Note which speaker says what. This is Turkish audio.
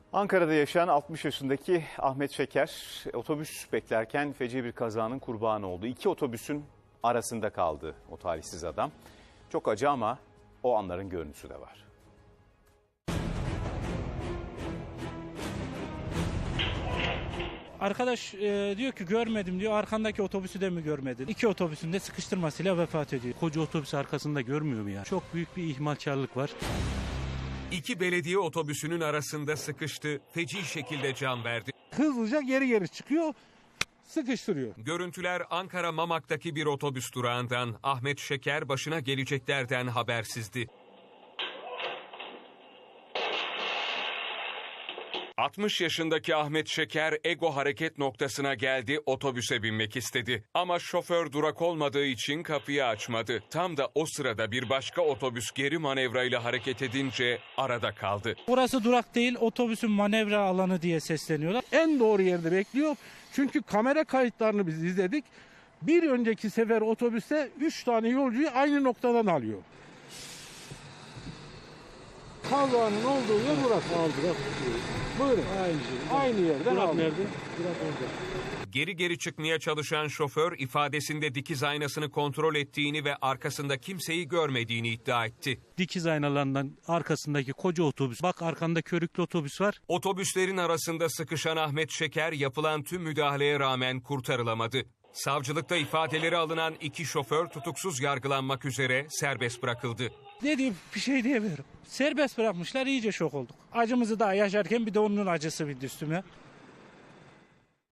Speaker 1: Ankara'da yaşayan 60 yaşındaki Ahmet Şeker otobüs beklerken feci bir kazanın kurbanı oldu. İki otobüsün arasında kaldı o talihsiz adam. Çok acı ama o anların görüntüsü de var.
Speaker 2: Arkadaş diyor ki görmedim diyor, arkandaki otobüsü de mi görmedin? İki otobüsün de sıkıştırmasıyla vefat ediyor.
Speaker 3: Koca otobüs arkasında görmüyor mu ya? Çok büyük bir ihmalkarlık var.
Speaker 4: İki belediye otobüsünün arasında sıkıştı, feci şekilde can verdi.
Speaker 5: Hızlıca geri çıkıyor, sıkıştırıyor.
Speaker 4: Görüntüler Ankara Mamak'taki bir otobüs durağından. Ahmet Şeker başına geleceklerden habersizdi. 60 yaşındaki Ahmet Şeker Ego hareket noktasına geldi, otobüse binmek istedi. Ama şoför durak olmadığı için kapıyı açmadı. Tam da o sırada bir başka otobüs geri manevrayla hareket edince arada kaldı.
Speaker 2: Burası durak değil, otobüsün manevra alanı diye sesleniyorlar.
Speaker 5: En doğru yerde bekliyor. Çünkü kamera kayıtlarını biz izledik. Bir önceki sefer otobüste 3 tane yolcuyu aynı noktadan alıyor. Kazanın olduğu yer burası. Aldı. Buyurun. Aynı yerden aldı. Nerede?
Speaker 4: Geri çıkmaya çalışan şoför ifadesinde dikiz aynasını kontrol ettiğini ve arkasında kimseyi görmediğini iddia etti.
Speaker 3: Dikiz aynalarından arkasındaki koca otobüs. Bak arkanda körüklü otobüs var.
Speaker 4: Otobüslerin arasında sıkışan Ahmet Şeker yapılan tüm müdahaleye rağmen kurtarılamadı. Savcılıkta ifadeleri alınan iki şoför tutuksuz yargılanmak üzere serbest bırakıldı.
Speaker 2: Dediğim bir şey diyemiyorum. Serbest bırakmışlar, iyice şok olduk. Acımızı daha yaşarken bir de onun acısı bindi üstüme.